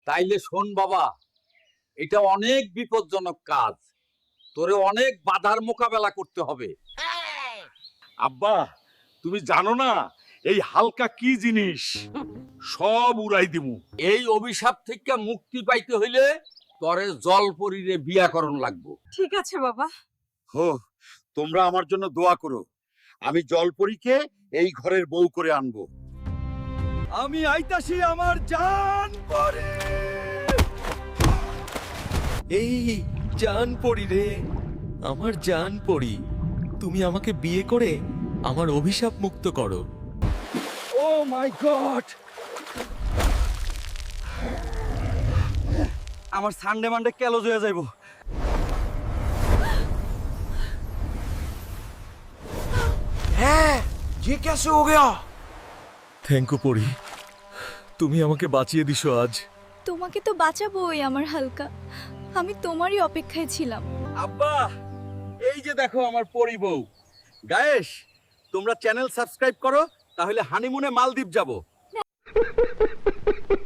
তাইলে শোন বাবা, এটা অনেক বিপজ্জনক কাজ, তোরে অনেক বাধার মোকাবেলা করতে হবে। আব্বা, তুমি জানো না এই হালকা কি জিনিস? সব উড়াই দিমু। এই অভিশাপ থেকে মুক্তি পাইতে হইলে তরে জলপরীরে বিয়াকরণ লাগবো। ঠিক আছে বাবা। হো, তোমরা আমার জন্য দোয়া করো, আমি জলপরীকে এই ঘরের বউ করে আনবো। আমি আইতাছি আমার জান পরি। এই জান পড়ি রে, আমার জান পড়ি, তুমি আমাকে বিয়ে করে আমার অভিশাপ মুক্ত করো। ও মাই গড, আমার সানডে মানডে ক্যালোজ হয়ে যাইব। হ্যাঁ, ये कैसे हो गया? থ্যাংক ইউ পড়ি, তুমি আমাকে বাঁচিয়ে দিছো আজ। তোমাকে তো বাঁচাবোই আমার হালকা, আমি তোমারই অপেক্ষায় ছিলাম। আব্বা, এই যে দেখো আমার পরি বউ। গায়েস, তোমরা চ্যানেল সাবস্ক্রাইব করো, তাহলে হানিমুনে মালদ্বীপ যাব।